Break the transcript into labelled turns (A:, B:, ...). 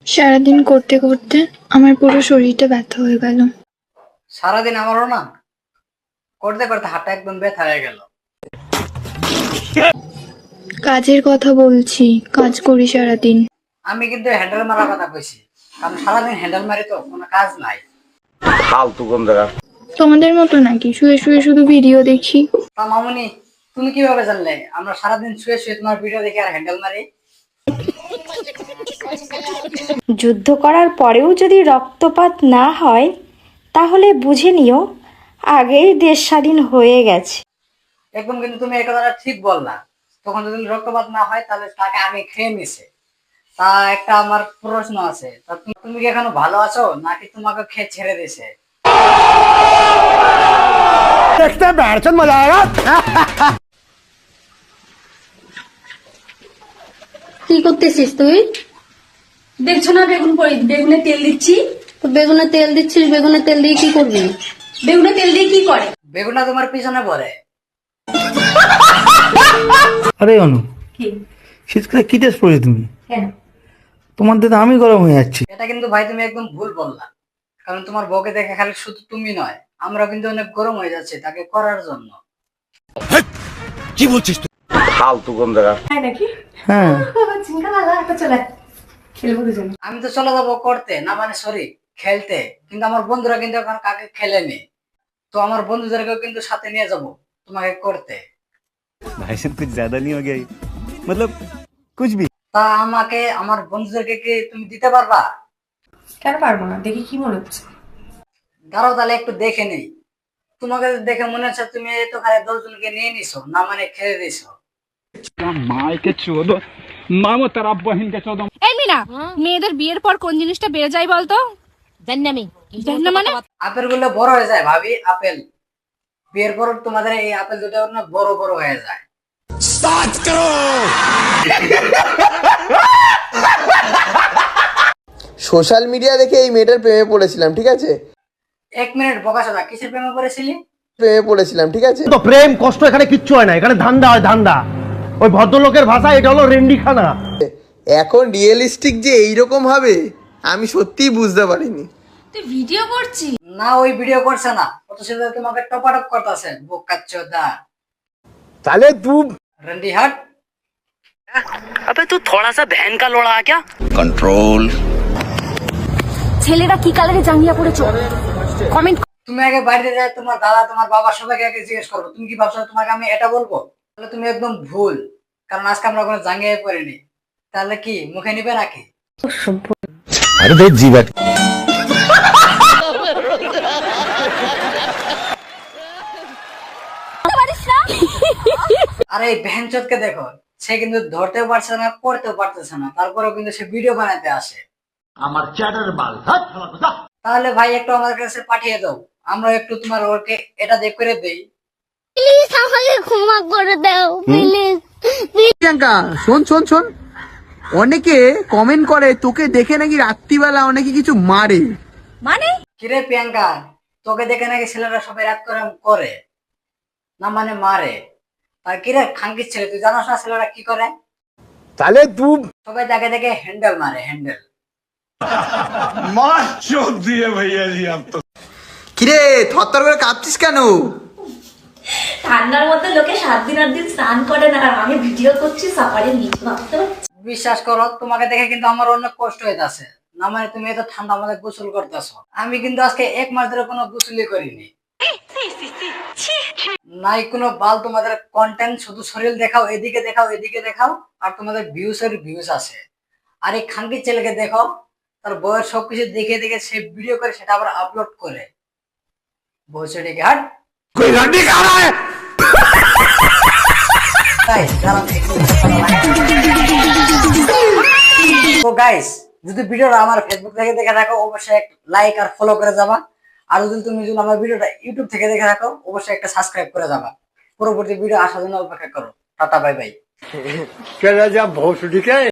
A: সারাদিন করতে করতে আমার পুরো শরীরটা ব্যথা হয়ে গেল।
B: সারাদিন আমারও না করতে করতে হাতটা একদম ব্যথা হয়ে গেল।
A: কাজের কথা বলছি, কাজ করি সারাদিন।
B: আমি কিন্তু হ্যান্ডেল মারার কথা কইছি, কারণ সারাদিন হ্যান্ডেল মারি তো কোনো কাজ নাই।
C: ফালতু কোন জায়গা।
A: তোমাদের মতো নাকি শুয়ে শুয়ে শুধু ভিডিও দেখি?
B: তা মামুনি, তুমি কিভাবে জানলে আমরা সারাদিন শুয়ে শুয়ে তোমার ভিডিও দেখি আর হ্যান্ডেল মারি?
D: যুদ্ধ করার পরেও যদি রক্তপাত না হয় তাহলে বুঝে নিও আগেই দেশ স্বাধীন হয়ে গেছে।
B: একদম কিন্তু তুমি এই কথাটা ঠিক বললা। তখন যদি রক্তপাত না হয় তাহলে তাকে আগে খেয়ে নিছে। তা একটা আমার প্রশ্ন আছে, তা তুমি কি এখনো ভালো আছো নাকি তোমাকে খেয়ে ছেড়ে দিছে?
C: দেখতে বেড়াচ্ছেন, মজা আয়েগা।
E: কি করতেছিস তুই?
F: দেখছো না বেগুনে তেল দিচ্ছি।
E: তো বেগুনে তেল দিচ্ছিস, বেগুনে তেল দিয়ে কি করবি?
F: বেগুনে তেল দিয়ে কি করে?
B: বেগুনটা তোমার পিছনে পড়ে।
G: আরে অনু,
F: কি
G: শীতকালে কি ড্রেস পরেছো তুমি?
F: কেন?
G: তোমার দিকে আমি গরম হয়ে যাচ্ছি।
B: এটা কিন্তু ভাই তুমি একদম ভুল বললা, কারণ তোমার বউকে দেখে খালি শুধু তুমি নয়, আমরা কিন্তু অনেক গরম হয়ে যাচ্ছে তাকে করার জন্য।
C: কি বলছিস তুই? ফালতু কোন জায়গা।
F: তাই নাকি?
G: হ্যাঁ,
F: চিন্তা লাগা একটা চলে খেলবো দুজন।
B: আমি তো চলে যাবো করতে, না মানে সরি খেলতে, কিন্তু আমার বন্ধুরা কিন্তু এখন কাকে খেলেনি। তো আমার বন্ধুদেরকেও কিন্তু সাথে নিয়ে যাব তোমাকে করতে।
H: भाई साहब कुछ ज्यादा नहीं हो गया ये? मतलब कुछ भी।
B: তা আমাকে আমার বন্ধুদেরকে কি তুমি দিতে পারবা?
F: কেন পারবো না? দেখি কি মনে হচ্ছে।
B: দাঁড়াও তাহলে একটু দেখে নেই। তোমাকে দেখে মনে হচ্ছে তুমি তো খালি 10 জনকে নিয়ে নিছো, না মানে খেলে দিছো।
I: এই মিনা, মেয়েদের বিয়ের পর কোন জিনিসটা বেড়ে যায় বলতো? জানি না মানে
B: আপেল গুলো বড় হয়ে যায় ভাবি, আপেল বিয়ের পর তোমাদের এই আপেল দুটো না বড় বড় হয়ে যায়।
J: সোশ্যাল মিডিয়া দেখে এই মেয়েটার প্রেমে পড়েছিলাম, ঠিক আছে?
B: 1 মিনিট বকাশোনা, কিসের প্রেমে পড়েছিলি?
J: প্রেমে পড়েছিলাম, ঠিক আছে?
C: তো প্রেম কষ্ট এখানে কিচ্ছু হয় না, এখানে ধান্দা হয় ধান্দা। ওই ভদ্রলোকের ভাষা এটা হলো রেন্ডিখানা।
J: এখন রিয়েলিস্টিক যে এইরকম হবে আমি সত্যিই বুঝতে পারিনি।
F: তুই ভিডিও করছিস?
B: না, ওই ভিডিও করছে না, অত সেটা তোমাকে টপাটপ করতেছে বোকাচ্চোদা।
C: তাহলে তুই
B: রন্ডি হাট।
K: अबे तू थोड़ा सा बहन का लोड़ा क्या?
C: কন্ট্রোল।
I: ছেলেরা কি কালারে জাঙ্গিয়া পড়েছো? কমেন্ট।
B: তুমি আগে বাড়িতে যাই তোমার দাদা তোমার বাবা সবাইকে আগে জিজ্ঞেস করবো, তুমি কি ভাবছো তোমাকে আমি এটা বলবো? তাহলে তুমি একদম ভুল, কারণ আজকে আমরা কোনো জাঙ্গিয়ে পড়িনি। তাহলে কি মুখে নিবে নাকি?
C: আরে তো জীবন।
B: আরে এই ভ্যানচোদকে দেখো, সে কিন্তু ধরতেও পারছে না, করতেও পারতেছে না, তারপরেও কিন্তু সে ভিডিও বানাতে আসে।
C: আমার চ্যাটার বাল।
B: তাহলে ভাই একটু আমাদের কাছে পাঠিয়ে দাও, আমরা একটু তোমার ওকে এটা দেখ করে দেই।
E: প্লিজ আমাকে ক্ষমা করে দাও, প্লিজ।
J: প্রিয়াঙ্কা শোন শোন শোন, অনেকে কমেন্ট করে তোকে দেখে নাকি রাত্রিবেলা অনেকে কিছু মারে।
F: মানে
B: কিরে প্রিয়াঙ্কা, তোকে দেখে নাকি ছেলেরা সবাই রাত করে করে, না মানে মারে। আর কিরে খাঙ্কির ছেলে, তুই জানাস না ছেলেরা কি করে?
C: তাহলে তুই
B: সবাই তাকে দেখে হ্যান্ডেল মারে, হ্যান্ডেল।
C: মার চোদ দিয়ে ভাইয়া জি আপ তো।
J: কিরে থরথর করে কাঁপছিস কেন?
F: ঠান্ডার মধ্যে লোকে 7 দিন 8 দিন স্নান করে না, আর আমি ভিডিও করছি সাফারির নিচে, ভাবতে পারছিস?
B: বিশ্বাস করো, তোমাকে দেখে কিন্তু আমার অনেক কষ্ট হইতাছে, না মানে তুমি এত ঠান্ডা আমাদের গোসল করতেছো। আমি কিন্তু আজকে 1 মাস ধরে কোনো গোসলই করিনি। নাই কোনো বাল, তোমাদের কন্টেন্ট শুধু শরীর দেখাও, এদিকে দেখাও এদিকে দেখাও, আর তোমাদের ভিউসের ভিউস আছে। আর এই খাঙ্কির ছেলেকে দেখো, তার বউয়ের সবকিছু দেখে দেখে সে ভিডিও করে সেটা আবার আপলোড করে। বউ সেটাকে হাট
C: কই রান্ডি কা রা হ্যায়?
B: তো গাইস, যদি ভিডিওটা আমার ফেসবুক থেকে দেখে থাকো অবশ্যই একটা লাইক আর ফলো করে যাবা। আর যদি তুমি আমার ভিডিওটা ইউটিউব থেকে দেখে থাকো অবশ্যই একটা সাবস্ক্রাইব করে যাবা। পরবর্তী ভিডিও আসার জন্য অপেক্ষা করো। Tata bye bye.
C: কে রাজা ভোসডি কে